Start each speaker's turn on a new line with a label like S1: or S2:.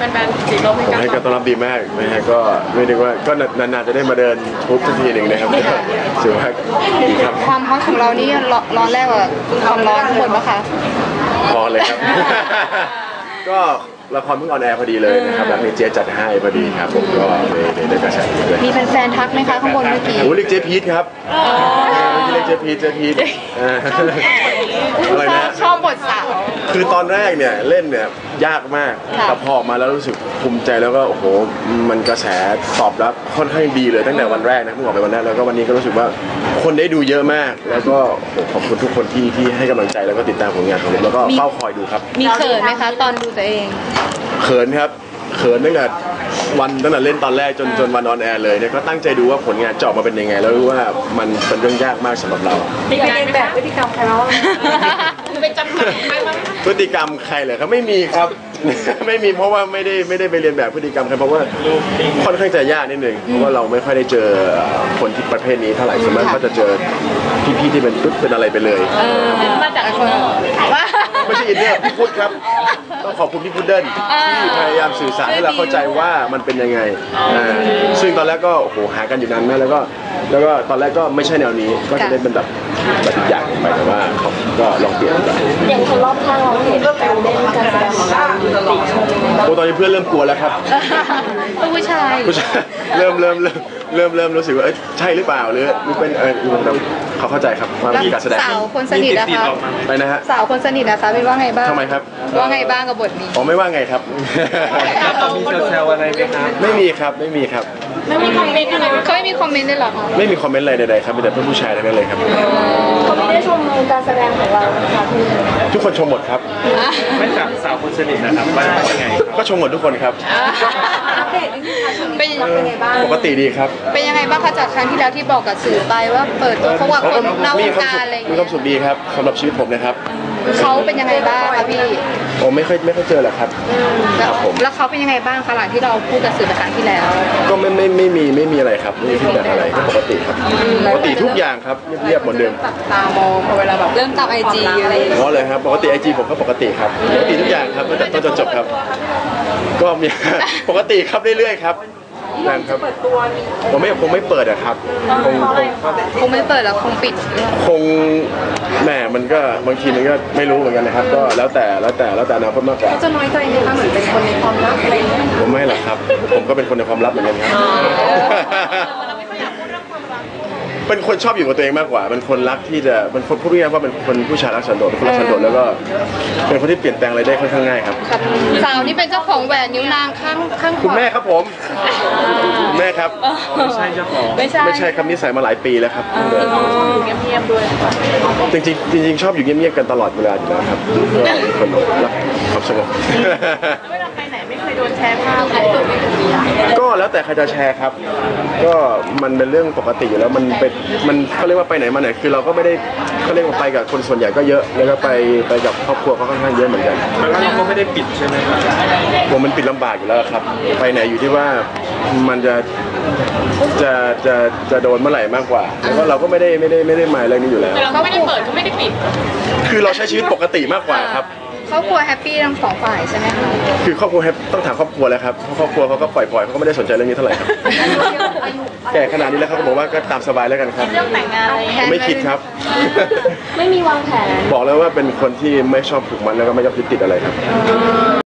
S1: ฟนๆสีลม
S2: ให้การต้อนรับดีมากนะฮะก็ไม่ได้ว่าก็นานๆจะได้มาเดินทุบสักทีหนึ่งนะครับถือว่าดีครับ
S3: ความฮอตของเรานี่ร้อนแรกกว่าความร้อนข้างบนปะคะ
S2: พอเลยครับก็ละครเพิ่งออนแอร์พอดีเลยนะครับแล้วมีเจ๊จัดให้พอดีครับผมก็เลยได้กระแสเลย
S3: มีแฟนๆทักไหมคะข้างบนเมื่อกี้
S2: โอ้เรียกเจ๊พีทครับเรียกเจ๊พีทอะไรนะ
S3: ชอบบทสาว
S2: คือตอนแรกเนี่ยเล่นเนี่ยยากมากแต่พอมาแล้วรู้สึกภูมิใจแล้วก็โอ้โหมันกระแสตอบรับค่อนข้างดีเลยตั้งแต่วันแรกนะเพิ่งออกไปวันแรกแล้วก็วันนี้ก็รู้สึกว่าคนได้ดูเยอะมากแล้วก็ขอบคุณทุกคนที่ให้กำลังใจแล้วก็ติดตามผลงานของผมแล้วก็เฝ้าคอยดูครับ
S3: มีเขินไหมคะตอนดูตัวเอง
S2: เขินครับเขินตั้งแต่เล่นตอนแรกจนวันออนแอร์เลยเนี่ยก็ตั้งใจดูว่าผลงานจะออกมาเป็นยังไงแล้วรู้ว่ามันเป็นเรื่องยากมากสำหรับเรา
S1: มีการแบบพฤติกรรมใครมาบ้างไปจำใครมา
S2: พฤติกรรมใครเหรอครับไม่มีครับไม่มีเพราะว่าไม่ได้ไปเรียนแบบพฤติกรรมใครเพราะว่าค่อนข้างจะยากนิดนึงเพราะว่าเราไม่ค่อยได้เจอคนที่ประเภทนี้เท่าไหร่ส่วนมากก็จะเจอพี่ที่เป็นอะไรไปเลย
S1: มาจากคน
S2: ไม่ใช่อินเนอร์พี่พุทธครับต้องขอบคุณพี่พุทธเดิลที่พยายามสื่อสารให้เราเข้าใจว่ามันเป็นยังไงซึ่งตอนแรกก็โอ้โหหากันอยู่นานมากแล้วก็ตอนแรกก็ไม่ใช่แนวนี้ก็จะได้เป็นแบบอีกอย่างไปแต่ว่าเขาก็ลองเปลี่ยนกัน
S1: อย่างคนรอบข้างเราเห็นการเล่นการแสดงของเราติชม
S2: โอ้ตอนนี้เพื่อนเริ่มกลัวแล้วครับ
S3: ผู้ชาย
S2: เริ่มรู้สึกว่าใช่หรือเปล่าหรือเป็นเขาเข้าใจครับว่ามีการแสดง
S3: สาวคนสนิทนะคะ
S2: ไปนะฮะ
S3: สาวคนสนิทนะคะเป็นว่าไงบ้าง
S2: ทำไมครับ
S3: ว่าไงบ้างกับบทนี้
S2: อ๋อไม่ว่าไงครับ
S4: มีแซวอะไรไหมครับ
S2: ไม่มีครับไม่มีครับ
S1: ไม่มีคอมเมนต์อะไร
S3: เขาไม่มีคอมเมนต์ได้หรอคะ
S2: ไม่มีคอมเมนต์อะไรใดๆครับมีแต่เพื่อนผู้ชายทั้งนั้นเลยครับ
S1: เขาไม่ได้ชมการแสดงของเราค่ะ
S2: ทุกคนชมหมดครับ
S4: ไม่กับสาวคนสนิทนะครับว่ายังไง
S2: ก็ชมหมดทุกคนครับ
S1: อัปเดตนิดนึงค่ะช่วงนี้เป็นไงบ้าง
S2: ปกติดีครับ
S3: เป็นยังไงบ้างคะจากครั้งที่แล้วที่บอกกับสื่อไปว่าเปิดตัวเขาว่าคนนอกวงการอะไร
S2: มีความสุขดีครับสำหรับชีวิตผมนะครับ
S3: เขาเป็นยังไงบ้างคะพี่
S2: ผมไม่ค่อยเจอหรอกครับ
S3: แล้วเขาเป็นยังไงบ้างคะหลังที่เราพูดกับสื่อครั้งที่แล้ว
S2: ก็ไม่มีอะไรครับไม่มีฟีดแบ็กอะไรปกติครับปกติทุกอย่างครับเรียบเหมือนเดิม
S3: ตามองพอเวลาแบบเริ่มตามIGอะไร
S2: อ๋อเลยครับปกติ IG ผมก็ปกติครับปกติทุกอย่างครับตั้งแต่ต้นจนจบครับก็มีปกติครับเรื่อยๆครับนั่นครับผมไม่เปิดอะครับ
S3: คงไม่เปิดแล้วคงปิด
S2: คงแหมมันก็บางทีมันก็ไม่รู้เหมือนกันนะครับก็แล้วแต่อนาคตมากกว่า
S1: จะน้อยใจไหมคะเหมือนเป็นคนในความลับอะไรอย่างเงี้ย
S2: ผมไม่หรอกครับผมก็เป็นคนในความลับเหมือนกันครับเป็นคนชอบอยู่กับตัวเองมากกว่าเป็นคนรักที่จะเป็นคนพูดง่ายๆว่าเป็นคนผู้ชายรักสันโดษเป็นคนรักสันโดษแล้วก็เป็นคนที่เปลี่ยนแปลงอะไรได้ค่อนข้างง่ายครับ
S3: สาวนี่เป็นเจ้าของแหวนนิ้วนางข้างขวา
S2: คุณแม่ครับผมคุณแม่ครับ
S4: ไม่ใช่เจ้าของ
S2: ไม่ใช่ครับนิสัยมาหลายปีแล้วครับ
S1: เงียบๆด้วย
S2: จริงชอบอยู่เงียบๆกันตลอดเวลาอยู่แล้วครับเป็นคนรักความสงบ
S1: เวลาไปไหนไม่เคยโดนแชร์ภาพ
S2: ก็แล้วแต่ใครจะแชร์ครับก็มันเป็นเรื่องปกติอยู่แล้วมันเขาเรียกว่าไปไหนมาไหนคือเราก็ไม่ได้เขาเรียกว่าไปกับคนส่วนใหญ่ก็เยอะแล้วก็ไปกับครอบครัวเขาค่อนข้างเยอะเหมือนกัน
S4: แล้วเราก็ไม่ได้ปิดใช่ไหมครับ
S2: ผมมันปิดลำบากอยู่แล้วครับไปไหนอยู่ที่ว่ามันจะโดนเมื่อไหร่มากกว่าแล้วก็เราก็ไม่ได้หมายเรื่องนี้อยู่แล้ว
S1: เราก็ไม่ได้เปิดก็ไม่ได้ปิด
S2: คือเราใช้ชีวิตปกติมากกว่าครับ
S3: ครอบครัวแฮปปี้ทั้งสองฝ่ายใช่ไหมคะ
S2: คือครอบครัวต้องถามครอบครัวแล้วครับครอบครัวเขาก็ปล่อยเขาก็ไม่ได้สนใจเรื่องนี้เท่าไหร่ครับแก่ขนาดนี้แล้วเขาก็บอกว่าก็ตามสบายแล้วกันครับ
S1: เรื่องแต่งงานอะไร
S2: ไม่คิดครับ
S1: ไม่มีวางแผน
S2: บอกแล้วว่าเป็นคนที่ไม่ชอบผูกมัดแล้วก็ไม่ชอบยึดติดอะไรครับ